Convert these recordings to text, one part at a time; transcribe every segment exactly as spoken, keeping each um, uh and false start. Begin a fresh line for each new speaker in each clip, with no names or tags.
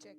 Check.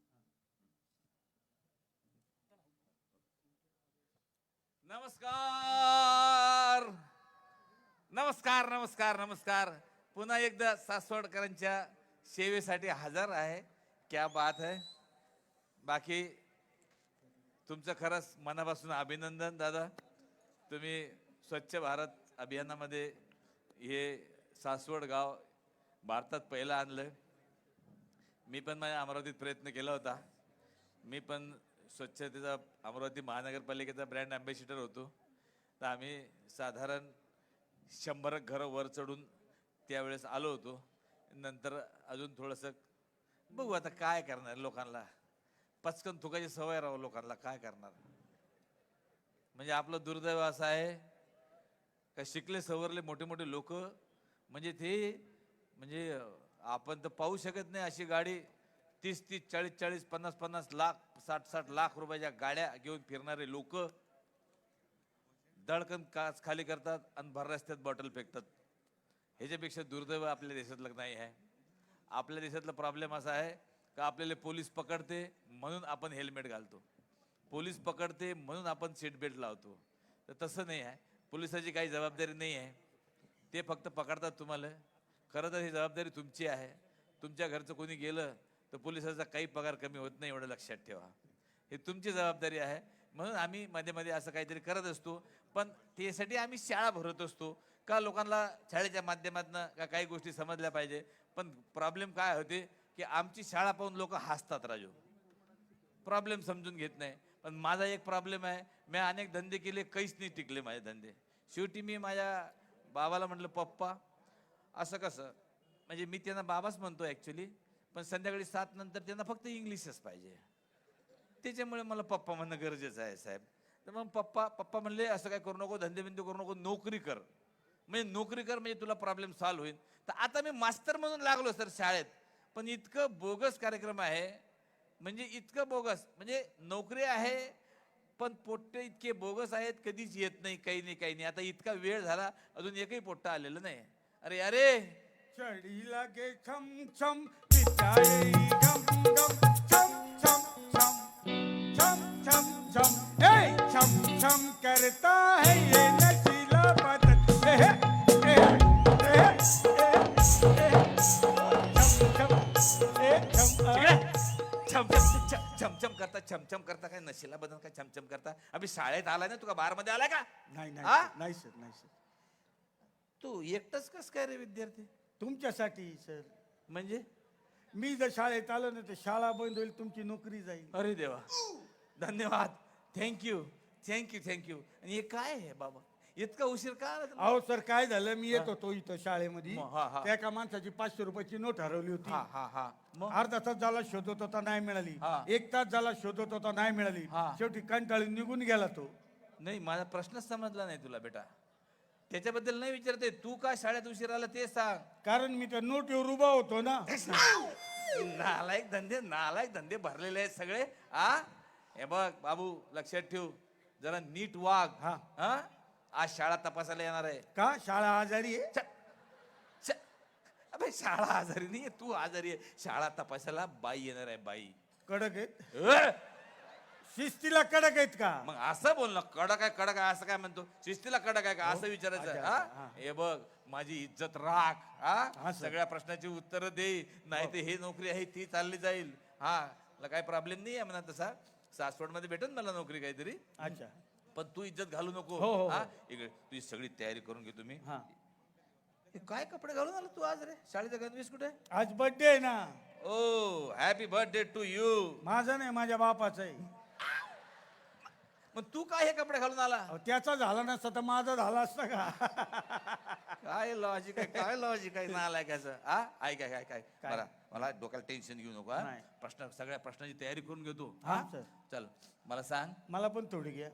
नमस्कार नमस्कार नमस्कार नमस्कार पुन्हा एकदा सासवडकरांच्या सेवेसाठी हजर आहे. क्या बात है. बाकी तुमचं खरंच मनापासून अभिनंदन दादा. तुम्ही स्वच्छ भारत अभियानामध्ये हे सासवड गाव भारतात पहिलं आणलं. मी पण माझ्या अमरावतीत प्रयत्न केला होता. मी पण स्वच्छतेचा अमरावती महानगरपालिकेचा ब्रँड ॲम्बॅसिडर होतो. तर आम्ही साधारण शंभर घरं वर चढून त्यावेळेस आलो होतो. नंतर अजून थोडंसं बघू आता काय करणार. लोकांना पचकन थुकायची सवय राहू लोकांना काय करणार. म्हणजे आपलं दुर्दैव असं आहे का शिकले सवरले मोठे मोठे लोक म्हणजे ते म्हणजे आपण तर पाहू शकत नाही अशी गाडी तीस तीस चाळीस चाळीस पन्नास पन्नास लाख साठ साठ लाख रुपयाच्या गाड्या घेऊन फिरणारे लोक दळकन काच खाली करतात आणि भर रस्त्यात बॉटल फेकतात. ह्याच्यापेक्षा दुर्दैव आपल्या देशातलं नाही आहे. आपल्या देशातला प्रॉब्लेम असा आहे का आपल्याला पोलीस पकडते म्हणून आपण हेल्मेट घालतो. पोलीस पकडते म्हणून आपण सीट बेल्ट लावतो. तर तसं नाही आहे. पोलिसाची काही जबाबदारी नाही आहे. ते फक्त पकडतात तुम्हाला. खरं तर ही जबाबदारी तुमची आहे. तुमच्या घरचं कोणी गेलं तर पोलिसाचा काही पगार कमी होत नाही एवढं लक्षात ठेवा. ही तुमची जबाबदारी आहे. म्हणून आम्ही मध्ये मध्ये असं काहीतरी करत असतो. पण त्यासाठी आम्ही शाळा भरत असतो का लोकांना शाळेच्या माध्यमातून का काही गोष्टी समजल्या पाहिजे. पण प्रॉब्लेम काय होते की आमची शाळा पाहून लोक हसतात राजू. प्रॉब्लेम समजून घेत नाही. पण माझा एक प्रॉब्लेम आहे. मी अनेक धंदे केले काहीच नाही टिकले माझे धंदे. शेवटी मी माझ्या बाबाला म्हटलं पप्पा असं कसं. म्हणजे मी त्यांना बाबाच म्हणतो ॲक्च्युली. पण संध्याकाळी सात नंतर त्यांना फक्त इंग्लिशच पाहिजे. त्याच्यामुळे मला पप्पा म्हणणं गरजेचं आहे साहेब. तर मग पप्पा पप्पा म्हणले असं काय करू नको धंदे बिंदे करू नको नोकरी कर. म्हणजे नोकरी कर म्हणजे तुला प्रॉब्लेम सॉल्व्ह होईल. तर आता मी मास्तर म्हणून लागलो सर शाळेत. पण इतकं बोगस कार्यक्रम आहे म्हणजे इतकं बोगस म्हणजे नोकरी आहे पण पोट्टे इतके बोगस आहेत कधीच येत नाही काही नाही काही नाही. आता इतका वेळ झाला अजून एकही पोट्टा आलेलं नाही. अरे अरे
चढी लागे छम छम पिटाई गम गम छम छम छम छम छम छम ए छम छम करता है ये नशीला बदन ए ए ए ए छम छम ए छम
छम छम छम छम करता छमछम करता काय नशिला बदन काय छमछम करता. अभि शाळेत आलाय ना तुका बार मध्ये आलाय का.
नाही
हा?
नाही नाही सर नाही सर.
तू एकटाच कस काय रे विद्यार्थी.
तुमच्यासाठी सर.
म्हणजे
मी जर शाळेत आलो ना तर शाळा बंद होईल तुमची नोकरी जाईल.
अरे देवा धन्यवाद थँक्यू थँक्यू थँक्यू. आणि हे काय आहे बाबा इतका उशीर का आला तुम्ही?
अहो सर काय झालं मी येत होतो इथं शाळेमध्ये
मग, हा, हा.
त्या एका माणसाची पाचशे रुपयाची नोट हरवली होती.
हा हा हा मग
अर्धा तास झाला शोधत होता नाही मिळाली.
हा.
एक तास झाला शोधत होता नाही मिळाली.
हा.
शेवटी कंटाळून निघून गेला तो.
नाही माझा प्रश्नच समजला नाही तुला बेटा. त्याच्याबद्दल नाही विचारते तू का शाळेत उशीर आला ते सांग.
कारण मी त्या नोटीवर उभा होतो ना.
नालायक धंदे नालायक धंदे भरलेले आहेत सगळे. आ हे बघ बाबू लक्षात ठेव जरा नीट वाग.
हा.
हा आज शाळा तपासायला येणार आहे.
का शाळा आजारी आहे.
छ- छ- अबे शाळा आजारी नाही तू आजारी आहे. शाळा तपासायला बाई येणार आहे बाई.
कडक आहेत
अ!
शिस्तीला कडक आहेत का.
मग असं बोल ना कडक आहे कडक आहे असं काय म्हणतो. शिस्तीला कडक आहे का असं विचारायचं.
अच्छा,
हा
हा.
हे बघ माझी इज्जत राख. हा
हा, सर.
सगळ्या प्रश्नाची उत्तर दे नाही ते हे नोकरी आहे ती चालली जाईल. हा मला काही प्रॉब्लेम नाही आहे म्हणा तसा. सासवड मध्ये भेटेल मला नोकरी काहीतरी.
अच्छा
पण तू इज्जत घालू नको.
हो, हो, हो.
हा इकडे तुझी सगळी तयारी करून घे तुम्ही.
हा.
हे काय कपडे घालून आला तू आज रे. शाळेचा गणवेश कुठे.
आज बर्थडे आहे ना.
Oh happy birthday to you.
माझा नाही माझ्या बापाचा आहे.
मग तू काय हे कपडे घालून आला.
अहो, त्याचा झाला नसता तर माझा झाला असता का.
काय लॉजिक आहे काय लॉजिक आहे नालायकाचं. हा ऐक काय काय काय बरं मला डोक्याला टेन्शन घेऊ नको. हा
नाही.
प्रश्न सगळ्या प्रश्नाची तयारी करून घेतो.
हा,
हा
सर.
चल मला सांग
मला पण थोडी घ्या.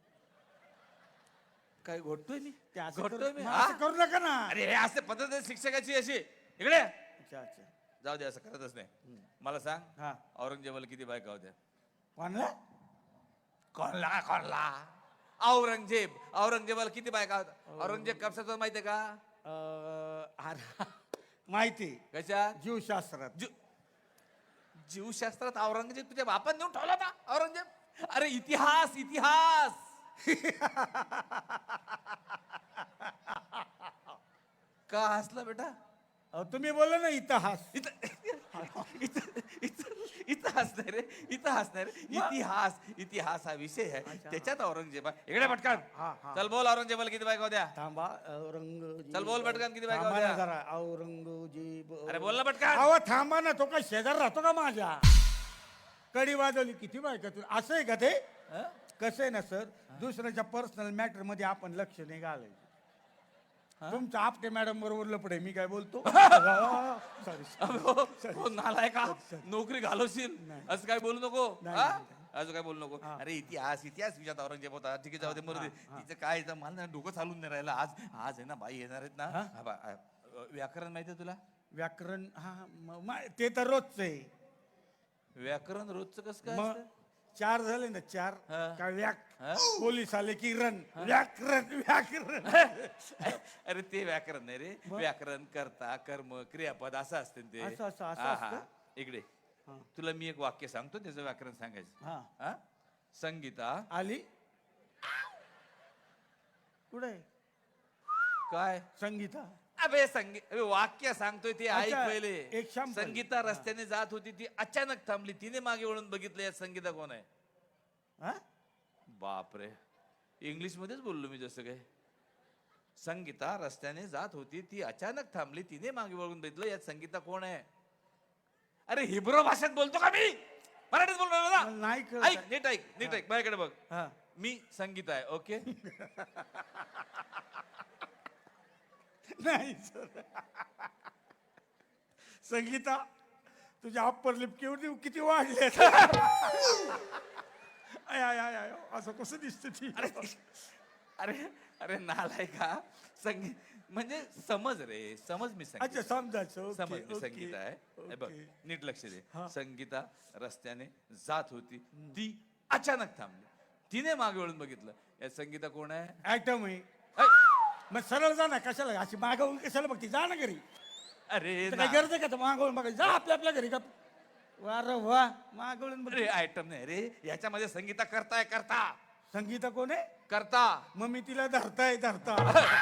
काय घोटतोय मी
ते असं
घोटतोय
करू-
मी.
मग
हा?
असं करू नका ना.
अरे हे असे पद्धत आहे शिक्षकाची अशी. इकडे
अच्छा अच्छा
जाऊ दे असं करतच नाही. मला सांग
हा
औरंगजेबाला किती बायका होत्या.
कोणला.
कोणला कोणला औरंगजेब औरंगजेबाला किती बायका होत्या. औरंगजेब कशाचं माहितीये का.
अं, अरे, माहिती
कशा
जीवशास्त्रात.
जीव जीवशास्त्रात औरंगजेब तुझ्या बापान नेऊन ठेवला होता औरंगजेब. अरे इतिहास इतिहास. का हसला बेटा?
अहो, तुम्ही बोला ना इतिहास.
इथं इथं इथं इथं हसणार रे, इथं हसणार. इतिहास इतिहास हा विषय आहे, त्याच्यात औरंगजेबा. इकडे पटकन
हा, हा.
चल बोल. औरंगजेबाला किती बायका होत्या?
थांबा. औरंगजेब.
चल बोल पटकन, किती बायका
थांबा ना
होत्या?
जरा. औरंगजेब.
अरे बोल ना पटकन.
अहो थांबा ना, तो काय शेजार राहतो का माझ्या? कडी वाजवली किती बायका तू? असं आहे का ते?
हं?
कसं आहे ना सर, दुसऱ्याच्या पर्सनल मॅटर मध्ये आपण लक्ष नाही घालायचं. तुमचं आपटे मॅडम बरोबर लपडे, मी काय बोलतो. सॉरी.
अबे हो, हो, नालाय का नोकरी घालवशील असं काय बोलू नको.
नाही,
हा?
नाही,
असं काय बोलू नको. अरे इतिहास इतिहास विचारत औरंगजेब होता. ठीक आहे, जाऊ दे, मरू दे. तिचं काय आहे, मला ना डोकं चालून नाही राहिलं. आज आज आहे ना बाई येणार आहेत ना. हा बा, अ, व्याकरण माहिती आहे तुला?
व्याकरण हा म- म- ते तर रोजच आहे.
व्याकरण रोजचं कसं काय
मग
असतं?
चार झाले ना, चार
हा.
काय व्याक.
हा?
पोलीस आले की रन. व्याकरण व्याकरण.
अरे ते व्याकरण नाही रे. व्याकरण, कर्ता, कर्म, क्रियापद असं असते ते.
असं- असं- असं
हा, हा.
असतं?
इकडे तुला मी एक वाक्य सांगतो, त्याचं व्याकरण सांगायचं.
हा.
हा? संगीता
आली कुठे
काय?
संगीता?
अबे संगी अबे वाक्य सांगतोय ते ऐक
अच्छा,
पहिले.
एक शांपल.
संगीता रस्त्याने जात होती, ती अचानक थांबली. तिने मागे वळून बघितलं, यात संगीता कोण आहे?
हा?
बापरे, इंग्लिश मध्येच बोललो मी जसं काय. संगीता रस्त्याने जात होती, ती अचानक थांबली, तिने मागे वळून बघितलं, यात संगीता कोण आहे? अरे हिब्रो भाषेत बोलतो का मी? मराठीत बोललो ना.
मला नाही कळत.
ऐक, नीट ऐक, नीट ऐक, माझ्याकडे बघ.
हा.
मी संगीता आहे, ओके?
नाही सर. संगीता, तुझ्या अप्पर लिप केवढी किती वाढले. आय आय आय आय, असं कसं दिसतं ती?
अरे अरे नालाय का. संगीत म्हणजे समज रे, समज. मी
अच्छा,
संगीत
समजायचं. ओके,
समज मी
ओके,
संगीता आहे. हे बघ,
ओके.
नीट लक्ष दे.
हा.
संगीता रस्त्याने जात होती, ती अचानक थांबली, तिने मागे वळून बघितलं, यात संगीता कोण आहे?
ऍटम आहे.
ऐ,
मग सरळ जा ना, कशाला अशी मागवून कशाला बघती? जा ना घरी.
अरे
तर
ना.
काय गरज आहे का मागवून बघायची? जा आपल्या आपल्या घरी. का वा रे वा, मागवून बघ.
अरे आयटम नाही रे, याच्यामध्ये संगीता करताय, करता
संगीता कोण आहे?
करता.
मग मी तिला धरताय धरता.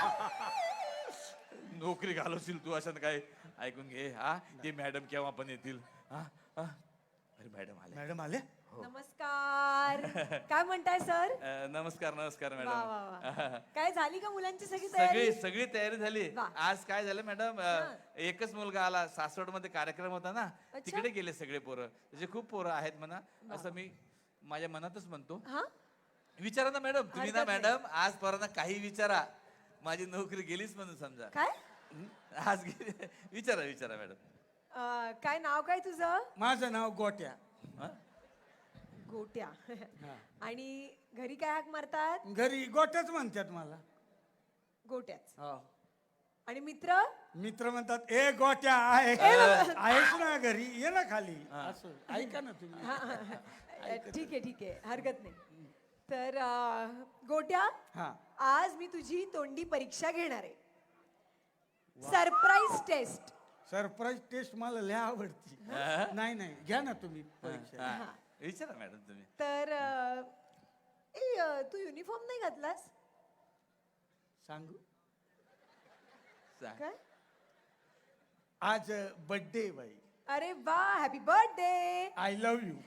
नोकरी घालवशील तू असं काय. ऐकून घे. हा, ते मॅडम केव्हा पण येतील. हा, हा. अरे मॅडम आले.
मॅडम आले?
नमस्कार. काय म्हणताय सर?
अ, नमस्कार नमस्कार
वा वा
मॅडम.
वा. काय झाली का मुलांची सगळी
सगळी
तयारी?
सगळी तयारी झाली.
वा.
आज काय झालं मॅडम, अ, एकच मुलगा आला. सासवड मध्ये कार्यक्रम होता ना,
अच्छा.
तिकडे गेले सगळे पोरं. त्याचे खूप पोरं आहेत म्हणा, असं मी माझ्या मनातच म्हणतो.
हा?
विचारा ना मॅडम, तुम्ही ना
हरकत नाही.
मॅडम, आज पोरांना काही विचारा, माझी नोकरी गेलीच म्हणून समजा.
काय?
आज गेली. विचारा विचारा मॅडम.
अं, काय नाव काय तुझं?
माझं नाव गोट्या.
हा?
गोट्या. आणि घरी काय हाक मारतात?
घरी गोट्याच म्हणतात मला.
गोट्याच.
हो.
आणि मित्र?
मित्र म्हणतात, ए गोट्या आहे आहेस ना घरी, ये ना खाली. असं ऐका ना तुम्ही.
हा, हा, हा. ठीक आहे ठीक आहे, हरकत नाही. तर अं, गोट्या,
हा.
आज मी तुझी तोंडी परीक्षा घेणार आहे. Surprise taste.
सरप्राईज टेस्ट मला लय आवडती. नाही नाही, घ्या ना तुम्ही परीक्षा.
हा. विचारा मॅडम तुम्ही.
तर अं, ए, अं, तू युनिफॉर्म नाही घातलास?
सांगू?
सांग.
काय?
आज बर्थडे बाई.
अरे वा, happy birthday.
I love you.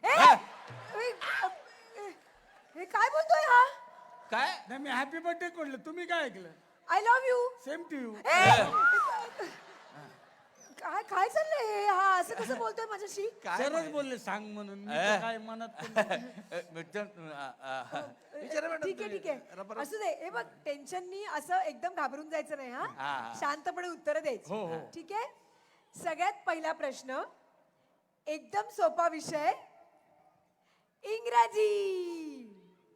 हे काय बोलतोय हा?
काय?
नाही, मी हॅपी बर्थडे म्हटलं, तुम्ही काय ऐकलं?
I love you.
Same to you.
काय काय चाललंय हे? हा असं कसं बोलतोय माझ्याशी?
काय
सरच
माहिती?
बोलले सांग म्हणून. मी
ए.
तर काय मनात पण नाही.
अ, मिस्टर, अ, अ, विचारा मॅडम
ठीक आहे
तुम्ही.
ठीक आहे,
रबर-
असू दे. हे बघ, टेन्शननी असं एकदम घाबरून जायचं नाही.
हा,
हा,
हा.
शांतपणे उत्तर
हो,
द्यायची.
हो.
ठीक आहे. सगळ्यात पहिला प्रश्न, एकदम सोपा विषय, इंग्रजी.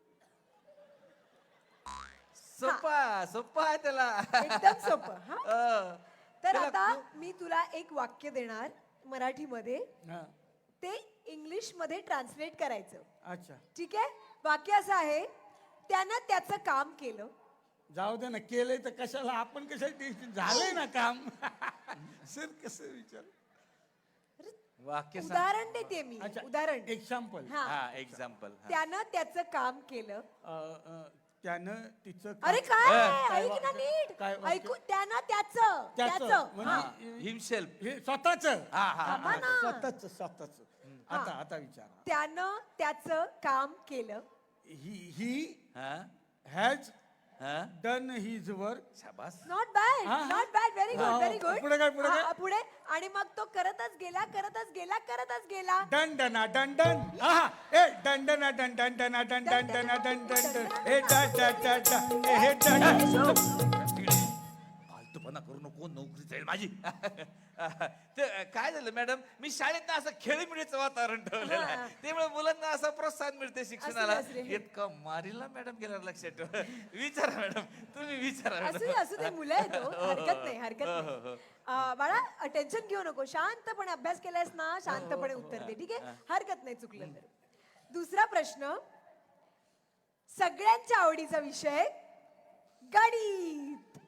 सोपा सोपा आहे त्याला.
एकदम सोपं. हा,
अ,
तर
त्याला
आता
खूप-
मी तुला एक वाक्य देणार मराठीमध्ये,
हा.
ते इंग्लिश मध्ये ट्रान्सलेट करायचं.
अच्छा,
ठीक आहे. वाक्य असं आहे, त्यानं त्याचं काम केलं.
जाऊ दे ना, केलंय तर कशाला आपण कशाला टेन्शन. झालंय ना काम. सर कसं विचार?
अरे
वाक्य सांग.
उदाहरण देते मी
अच्छा
उदाहरण
एक्झाम्पल
हा
हा एक्झाम्पल.
त्यानं त्याचं काम केलं.
त्यानं तिचं काम-
अरे काय
काय
ऐक ना
वाक्य?
नीट
काय वाक्य?
ऐकू त्यानं त्याचं
त्याचं
त्याचं
म्हणजे
हा.
हिमसेल्फ.
हे स्वतःच
हा हा
थांबा ना.
स्वतःच स्वतःच आता आता विचारा
त्यानं त्याचं काम केलं.
ही ही
हा
हॅज
हा
डन हिज वर्क.
शाबास.
नॉट बॅड
हा, हा.
नॉट बॅड व्हेरी
हा,
गुड व्हेरी
हा.
गुड
पुढे काय, पुढे काय?
पुढे आणि मग तो करतच गेला करतच गेला करतच गेला.
डन डना डन डन आहा ए डन डना डन डन डना डन डन डना डन डन डन ए डा डा डा डा ए हे डा डा.
फालतूपणा करू नको, नोकरी जाईल माझी. ते काय झालं मॅडम, मी शाळेत ना असं खेळीमेळीचं वातावरण ठेवलेलं
हा.
आहे, त्यामुळे मुलांना असं प्रोत्साहन मिळते शिक्षणाला.
असू दे, असू दे.
इतकं मारीला मॅडम गेल्यावर लक्षात ठेवा. विचारा मॅडम, तुम्ही विचारा
असू दे
मॅडम.
असू दे मुलं आहे तो हरकत नाही हरकत नाही. अं, बाळा टेन्शन घेऊ नको, शांतपणे अभ्यास केलायस ना, शांतपणे उत्तर दे, ठीक आहे? हरकत नाही चुकलं तर. दुसरा प्रश्न, सगळ्यांच्या आवडीचा विषय गणित.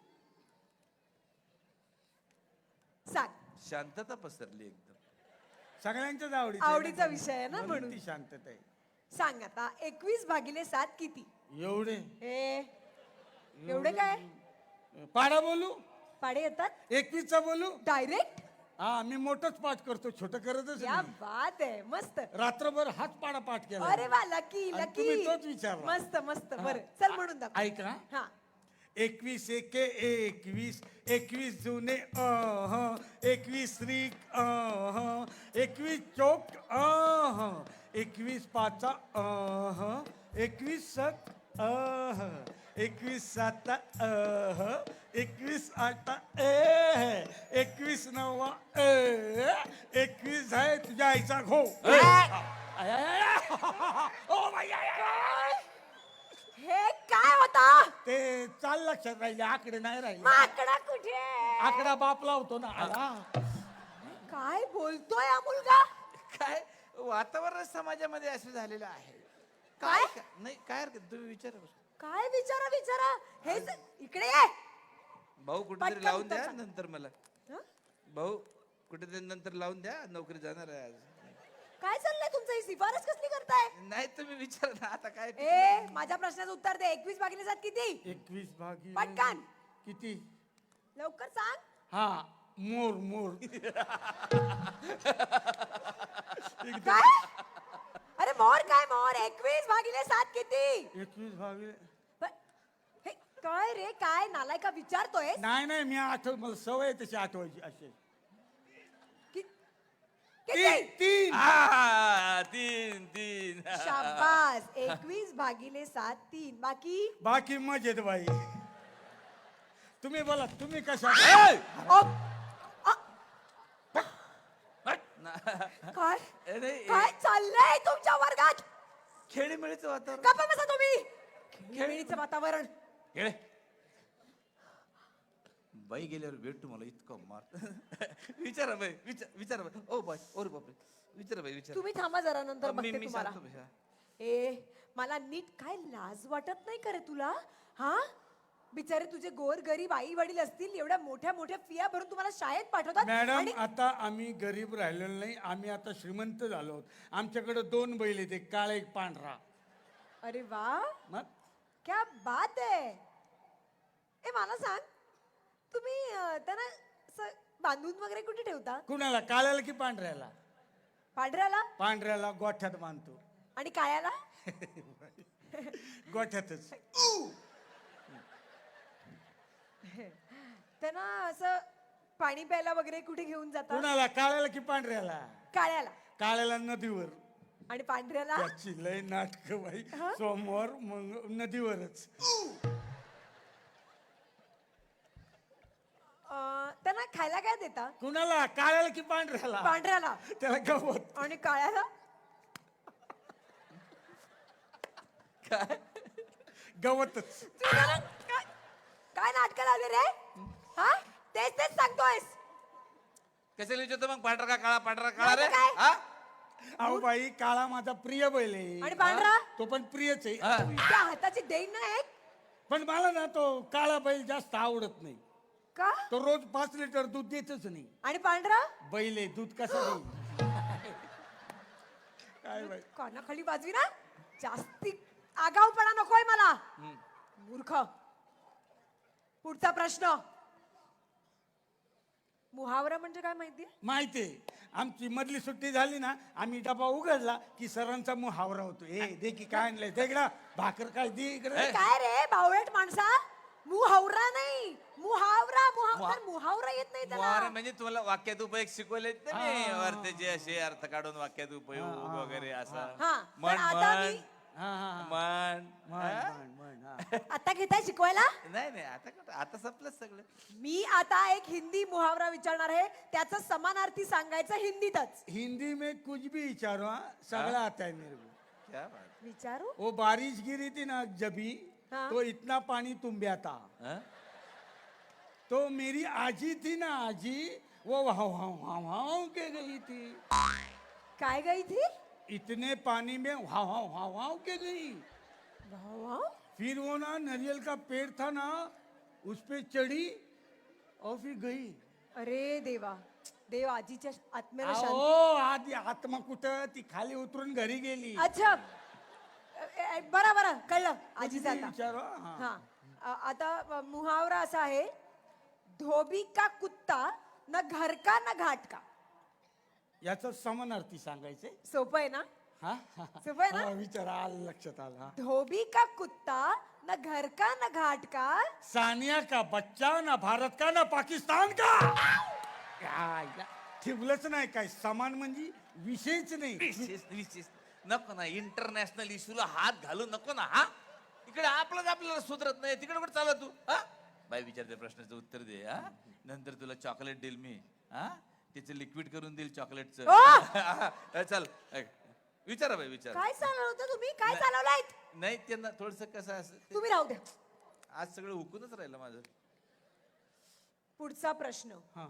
सांग.
शांतता पसरली एकदम.
सगळ्यांच्याच आवडीचा
आवडीचा विषय आहे ना म्हणून.
ती शांतता आहे.
सांग आता एकवीस भागिले सात किती?
एवढे
हे एवढे काय
पाडा बोलू
पाडे येतात
एकवीसचा बोलू.
डायरेक्ट?
हा मी मोठंच पाठ करतो, छोटं करतच
क्या
नाही.
बात आहे, मस्त.
रात्रभर हाच पाडा पाठ केला.
अरे वा, लकी
आणि
लकी.
तुम्ही तोच विचारला.
मस्त मस्त. बरं चल म्हणून दाखव.
ऐका
हा
एकवीस एके एकवीस, एकवीस जुने अह, एकवीस त्रिक अह, एकवीस चौक अह, एकवीस पाचा अह, एकवीस सत अह, एकवीस साता अह, एकवीस आठा ए, एकवीस नवा ए, एकवीस आहे तुझ्या आईचा घो. O by, I, I, I.
हे काय होता?
ते चाल लक्षात राहिले, आकडे नाही राहिले.
माकडा कुठे?
आकडा बाप लावतो ना. आला.
काय बोलतोय हा मुलगा?
काय वातावरण समाजामध्ये असं झालेलं आहे.
काय?
काय नाही, काय हरकत, तुम्ही विचारा.
काय विचारा विचारा हे ज- इकडे ये.
भाऊ कुठेतरी
पटकन
लावून
उत्तर
द्या
सांग.
नंतर मला.
हं?
भाऊ कुठेतरी नंतर लावून द्या, नोकरी जाणार आहे आज.
काय चाललंय तुमचं? ही शिफारस कसली करताय?
नाही तुम्ही विचारा ना आता काय.
ए माझ्या प्रश्नाचं उत्तर दे. एकवीस भागिले सात किती?
एकवीस भागी
पटकन.
किती?
लवकर सांग.
हा मोर मोर.
काय? अरे मोर काय मोर? एकवीस भागिले सात किती?
एकवीस भागी
प- हे काय रे, काय नालायका विचारतोय?
नाही नाही मी आठव, मला सवय आहे तशी आठवायची. असे
कि-
तीन
किती?
तीन.
आ, तीन तीन.
शाबास. एकवीस भागिले सात तीन. बाकी
बाकी मजेत बाई. तुम्ही बोला, तुम्ही कशा?
ए!
ओ, अ,
ना-
काय
ए, नाही, ए,
काय चाललंय तुमच्या वर्गात?
खेळीमेळीचं वातावरण.
गप्पा बसा तुम्ही. खेळीचं वातावरण.
खेळे. बाई गेल्यावर भेटतो मला इतकं मार. विचारा बाई, विचार विचारा बाई. ओ बाई, ओरे बापरे, विचारा बाई, विचारा.
तुम्ही थांबा जरा, नंतर
मी
बघते
मी
तुम्हाला.
सांगतो बाई, हा.
ए मला नीट काय लाज वाटत नाही करे तुला? हा बिचारे तुझे गोर गरीब आई वडील असतील, एवढ्या मोठ्या मोठ्या फिया भरून तुम्हाला शाळेत पाठवतात.
मॅडम
आणि
आता आम्ही गरीब राहिलेलो नाही, आम्ही आता श्रीमंत झालो आहोत. आमच्याकडे दोन बैल आहेत, एक काळा एक पांढरा.
अरे वा,
मग
क्या बात आहे. ए मला सांग, तुम्ही अं, त्यांना असं बांधून वगैरे कुठे ठेवता?
कुणाला, काळ्याला की पांढऱ्याला?
पांढऱ्याला.
पांढऱ्याला गोठ्यात बांधतो.
आणि काळ्याला?
गोठ्यातच.
त्यांना असं पाणी प्यायला वगैरे कुठे घेऊन जाता?
कुणाला, काळ्याला की पांढऱ्याला?
काळ्याला.
काळ्याला नदीवर.
आणि पांढऱ्याला?
त्याची लय नाटक बाई. सोमवार मग नदीवरच.
अं, त्यांना खायला काय देता?
कुणाला, काळ्याला की पांढऱ्याला?
पांढऱ्याला.
त्याला गवत.
आणि काळ्याला?
काय
गवतच.
तू त्याला काय काय नाटक लावले रे? हा तेच तेच सांगतोयस.
कशाला विचारतो मग? पांढरा का काळा? पांढरा काळा रे.
नाही तर काय?
हा?
अहो बाई, काळा माझा प्रिय बैल आहे.
आणि पांढरा?
तो पण प्रियच आहे.
हा.
त्या हाताची देईन ना एक.
पण मला ना तो काळा बैल जास्त आवडत नाही.
का?
तो रोज पाच लिटर दूध देतच नाही.
आणि पांढरा?
बैल आहे, दूध कसं देईल? काय बाई
कानाखाली वाजवी ना जास्ती आगाऊपणा नकोय मला मूर्ख. पुढचा प्रश्न. मुहावरा म्हणजे काय माहितीये?
माहितीये, आमची मधली सुट्टी झाली ना आम्ही डबा उघडला की सरांचा मुहावरा होतो. ए दे की काय आणलंय ते इकडं, भाकर काय दे इकडे.
काय रे बावळट माणसा, मुहावरा नाही मुहावरा. मुहावरा मुहावरा येत नाही
मुहावरा
त्याला.
म्हणजे तुम्हाला वाक्यात उपयोग शिकवले ना मी, अर्थाचे असे अर्थ काढून वाक्यात उपयोग वगैरे असं.
हा,
म्हण
पण आता
म्हण
मी-
हा हा हा.
म्हण
म्हण,
हा?
म्हण, म्हण, हा.
आता घेताय शिकवायला?
नाही नाही आता कुठं, आता संपलं सगळं.
मी आता एक हिंदी मुहावरा विचारणार आहे, त्याचं समानार्थी सांगायचं हिंदीतच.
हिंदी में कुछ भी विचारो, हाँ, सगळं आता है मेरे को.
क्या बात.
विचारू?
वो बारिश गिरी थी ना जबी,
हाँ.
तो इतना पानी तुम्बिया था.
हा?
तो मेरी आजी थी ना आजी, वो वहां वहां वहां वहां के गई थी.
काय गई थी?
इतने पानी में वहां वहां वहां वहां के गई.
वाह, वाह.
फिर वो ना नारियल का पेड़ था ना, उस पे चढ़ी और फिर गई.
अरे देवा, देव आजीच्या आत्म्याला शांती.
ओ आधी आत्मा कुठं, ती खाली उतरून घरी गेली.
अच्छा अ, अ, बरं बरं कळलं आजीचं आता.
विचारो हा.
हा अ, आता अ, मुहावरा असा आहे, धोबी का कुत्ता न घर का न घाट का.
याचा समानार्थी सांगायचे.
सोपं आहे ना?
हा
सोपं आहे ना?
हा, विचार आलं लक्षात आलं. हा.
धोबी का कुत्ता न घर का न घाट का.
सानिया का बच्चा ना भारत का ना पाकिस्तान का. काय या, ठेवलंच नाही काय समान म्हणजे विषयच नाही.
विशेष विशेष नको ना, इंटरनॅशनल इश्यूला हात घालू नको ना. हा इकडे आपलंच आपल्याला सुधरत नाही, तिकडे कुठे चालला तू. हा बाई विचारते प्रश्नाचं उत्तर दे. हा नंतर तुला चॉकलेट देईल मी. हा त्याचं लिक्विड करून देईल चॉकलेटचं.
ओ!
चल ऐक, विचारा बाई विचार.
काय चालवलं होतं तुम्ही? काय चालवलंय?
नाही त्यांना थोडस कसं असं ते-
तुम्ही राहू द्या.
आज सगळं हुकूनच राहिलं माझं.
पुढचा प्रश्न.
हा.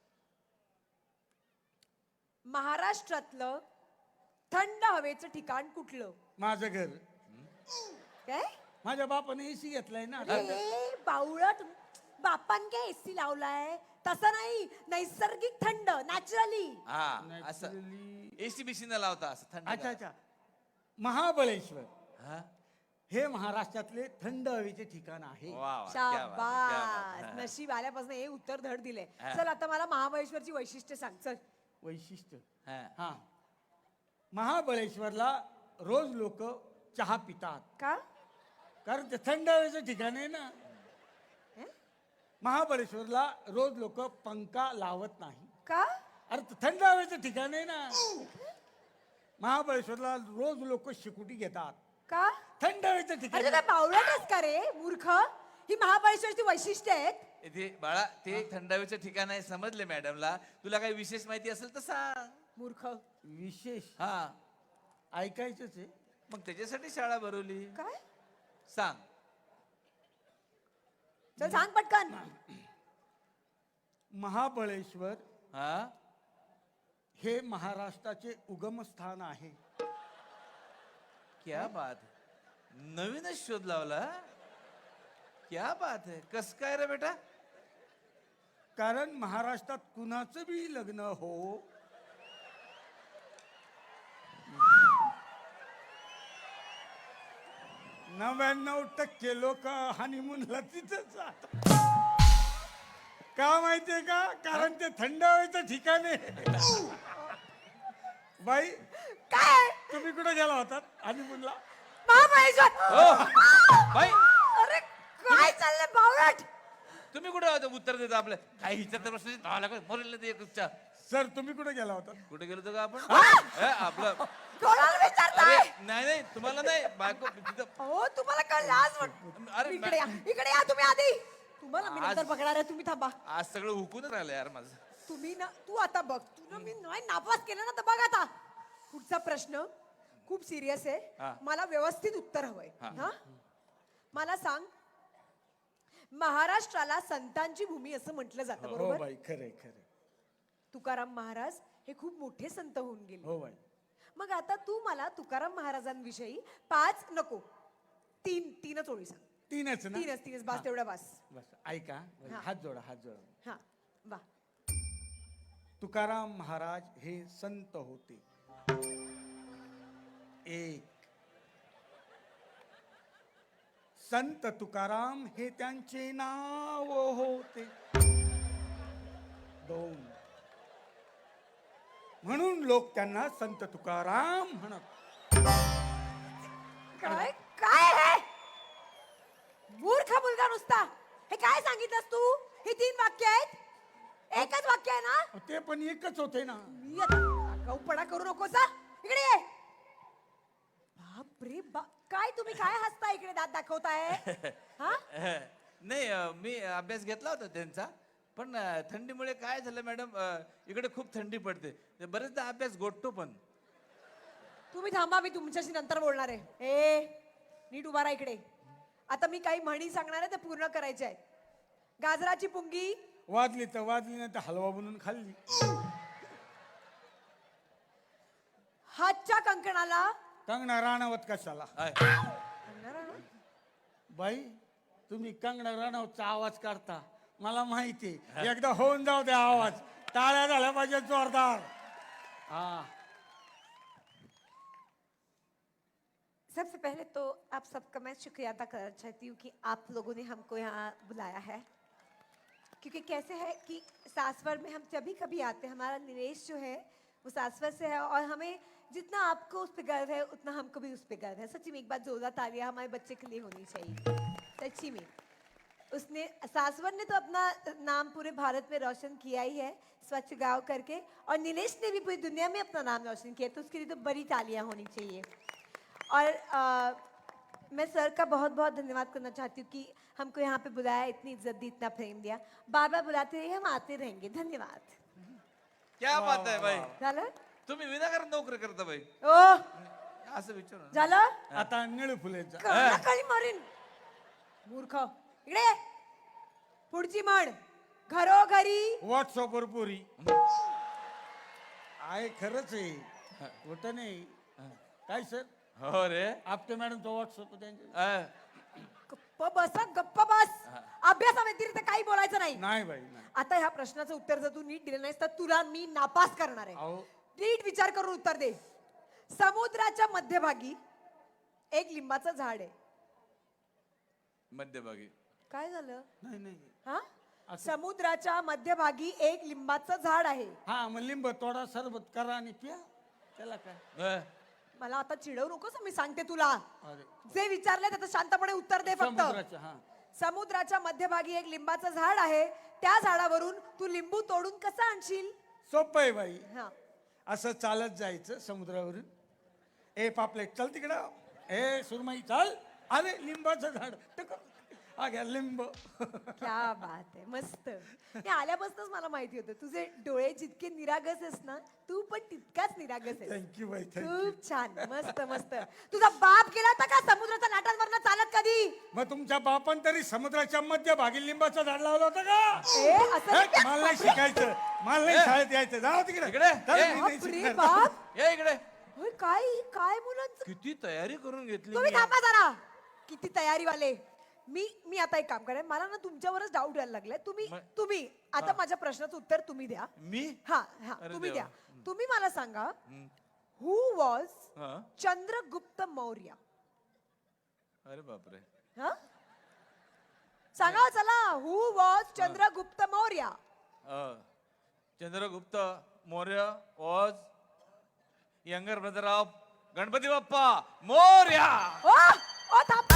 महाराष्ट्रातलं थंड हवेचं ठिकाण कुठलं?
माझं घर.
काय?
माझ्या बापाने एसी घेतलाय ना.
अरे बावळट, बापान काय एसी लावलाय? तसं नाही, नैसर्गिक थंड, नॅचरली.
हा असं
Naturally.
एसी बीसी न लावता असं थंड.
अच्छा अच्छा. महाबळेश्वर
हा
हे महाराष्ट्रातले थंड हवेचे ठिकाण आहे.
वा वा, क्या बात है, क्या बात
शाबास,
है.
नशीब आल्यापासून हे उत्तर धड दिले.
हा.
चल आता मला महाबळेश्वरची वैशिष्ट्य सांग. चल.
वैशिष्ट्य.
हा.
हा. महाबळेश्वरला रोज लोक चहा पितात,
का?
कारण ते थंड हवेचं ठिकाण आहे ना.
हे?
महाबळेश्वरला रोज लोक पंखा लावत नाही,
का?
अरे ते थंड हवेचं ठिकाण आहे ना. महाबळेश्वरला रोज लोक शिकुटी घेतात,
का?
थंड हवेचं ठिकाण
अरे
आहे.
काय बावळटच का रे मूर्ख? ही महाबळेश्वरची वैशिष्ट्य आहेत.
इथे बाळा ते थंडावीचं ठिकाण आहे, समजले मॅडमला. तुला काही विशेष माहिती असेल तर सांग.
मूर्ख.
विशेष
हा
ऐकायचंच आहे.
मग त्याच्यासाठी शाळा भरवली.
काय?
सांग.
चल सांग पटकन.
महाबळेश्वर
हा
हे महाराष्ट्राचे उगमस्थान आहे.
क्या बात है. नवीनच शोध लावला. क्या बात है. कस काय रे बेटा?
कारण महाराष्ट्रात कुणाचं बी लग्न हो, नव्याण्णव टक्के लोक हनीमूनला तिथंच जातात. का माहितीये का? कारण ते थंड हवेचं ठिकाण आहे. बाई
काय?
तुम्ही कुठे गेला होतात हनीमूनला?
महाबळेश्वर.
हो बाई
अरे काय चाललंय बावळट?
तुम्ही कुठे होता? उत्तर देता आपलं काही विचारता प्रश्न दहा लाख मरेल नाही ते एकच्या.
सर तुम्ही कुठे गेला होता?
कुठे गेलो होतो का आपण? ए, आपलं
कोणाला विचारताय?
अरे नाही नाही तुम्हाला नाही बायको तिथं.
हो तुम्हाला कळ लाज वाट.
अरे
इकडे या, इकडे या तुम्ही आधी. तुम्हाला मी
आज-
नंतर पकडणार आहे, तुम्ही थांबा.
आज सगळं हुकूनच राहिलं यार माझं.
तुम्ही ना, तू आता बघ, तू ना मी नाही नापास केलं ना, तर बघ आता. पुढचा प्रश्न खूप सिरियस
हा.
आहे, मला व्यवस्थित उत्तर हवंय.
हा.
हा मला सांग, महाराष्ट्राला संतांची भूमी असं म्हटलं जातं,
हो
बरोबर?
बाई, खरंय खरंय.
तुकाराम महाराज हे खूप मोठे संत होऊन गेले.
हो बाई.
मग आता तू मला तुकाराम महाराजांविषयी पाच नको तीन तीनच ओळी सांग.
तीनच ना?
तीनच तीनच बास, तेवढा बास.
बस ऐका,
हा.
हात जोडा हात जोडा.
हा वा.
तुकाराम महाराज हे संत होते. एक. संत तुकाराम हे त्यांचे नाव होते. दोन. म्हणून लोक त्यांना संत तुकाराम म्हणत.
काय काय हे मूर्ख मुलगा नुसता. हे काय सांगितलंस तू? ही तीन वाक्य आहेत. एकच वाक्य आहे ना?
ते पण एकच होते ना.
मी आता आगाऊपणा करू नकोस हा. इकडे ये. बाप रे बाप. काय तुम्ही काय हसता इकडे दात दाखवताय हा?
नाही अं, मी अभ्यास घेतला होता त्यांचा, पण अं, थंडीमुळे काय झालं मॅडम, अं, इकडे खूप थंडी पडते, ते बरेचदा अभ्यास गोठतो पण.
तुम्ही थांबा, मी तुमच्याशी नंतर बोलणार आहे. ए नीट उभा राहा इकडे. आता मी काही म्हणी सांगणार आहे ते पूर्ण करायचे आहेत. गाजराची पुंगी
वाजली तर वाजली नाही तर हलवा बनवून खाल्ली.
हातच्या कंकणाला
कंगना राणावत कशाला?
आय.
बाई तुम्ही कंगना राणावतचा आवाज काढता मला माहिती. एकदा होऊन जाऊ द्या आवाज. टाळ्या झाल्या पाहिजे जोरदार. हा.
सबसे पहले तो आप सबका मैं शुक्रिया अदा करना चाहती हूँ कि आप लोगों ने हमको यहाँ बुलाया है, क्योंकि कैसे है कि सासवर में हम जब भी कभी आते हैं, हमारा निवेश जो है वो सासवर से है, और हमें जितना आपको उस पर गर्व है उतना हमको भी उस पर गर्व है. सच्ची में एक बार जोरदार तालियां हमारे बच्चे के लिए होनी चाहिए. सच्ची में उसने सासवर ने तो अपना नाम पूरे भारत में रोशन किया ही है स्वच्छ गांव करके, और नीलेश ने भी पूरी दुनिया में अपना नाम रोशन किया, तो उसके लिए तो बड़ी तालियां होनी चाहिए. और आ, मैं सर का बहुत बहुत धन्यवाद करना चाहती हूँ कि हमको यहाँ पे बुलाया, इतनी इज्जत दी, इतना प्रेम दिया. बार बार बुलाते रहिए, हम आते रहेंगे. धन्यवाद.
क्या बात आहे बाई,
झालं?
तुम्ही विनाकारण नोकरी करता बाई,
ओ
असं विचारू नका.
झालं?
आता निळू फुलेचा.
खाली मारीन मूर्ख. इकडे ये. पुढची म्हण. घरोघरी
व्हॉट्सअप वर पुरी आहे. खरंच आहे. कुठं नाही. काय सर?
हो रे.
आपटे मॅडम तो व्हॉट्सअप त्यांचे.
अं,
गप्प बस हं, गप्प बस. अभ्यासाव्यतिरिक्त काही बोलायचं नाही.
नाही बाई नाही.
आता ह्या प्रश्नाचं उत्तर जर तू नीट दिलं नाहीस तर तुला मी नापास करणार आहे.
अहो
नीट विचार करून उत्तर दे. समुद्राच्या मध्यभागी एक लिंबाचं झाड आहे.
मध्यभागी
काय झालं? नाही नाही.
हा? समुद्राच्या मध्यभागी एक लिंबाचं झाड आहे.
हा मग लिंब तोडा, सरबत करा आणि प्या. त्याला काय?
अं,
मला आता चिडवू नकोस, मी सांगते तुला.
अरे
जे विचारले त्याचं शांतपणे उत्तर दे फक्त.
समुद्राच्या हा
समुद्राच्या मध्यभागी एक लिंबाचं झाड आहे. त्या झाडावरून तू लिंबू तोडून कसं आणशील?
सोपं आहे बाई.
हा.
असं चालत जायचं समुद्रावरून. ए पापलेट चल तिकडं. ए सुरमई चल. अरे लिंबाचं झाड टक. हा घ्या लिंब.
क्या बात आहे, मस्त. हे आल्यापासूनच मला माहिती होतं तुझे डोळे जितके निरागस आहेस ना, तू पण तितकाच निरागस आहेस.
थँक्यू बाई थँक्यू.
खूप छान, मस्त मस्त. तुझा बाप गेला होता का समुद्राच्या लाटांवरनं चालत कधी?
मग तुमच्या बापान तरी समुद्राच्या मध्यभागी लिंबाचं झाड लावलं होतं का?
ए असं
हे,
नाही.
मला नाही शिकायचं. मला नाही शाळेत यायचं. जाऊ तिकडे.
इकडे.
चल,
ए,
मी नाही
बाप रे
शिकणार.
बाप.
ये इकडे.
होय, काय काय मुलांचं.
किती तयारी करून घेतली
तुम्ही
मी.
थांबा जरा. किती तयारी वाले. मी मी आता एक काम करेन, मला ना तुमच्यावरच डाऊट यायला लागलाय. तुम्ही
म-
तुम्ही आता माझ्या प्रश्नाचं उत्तर तुम्ही द्या.
मी
हा हा
अरे
तुम्ही
देवा.
द्या. तुम्ही मला सांगा,
हं,
हु वॉज
हं.
चंद्रगुप्त मौर्य?
अरे बापरे.
हा सांगा चला. Who was Chandragupta Maurya?
Um, Chandragupta Maurya was younger brother of Ganpati Bappa Morya.
ओ ओ थांब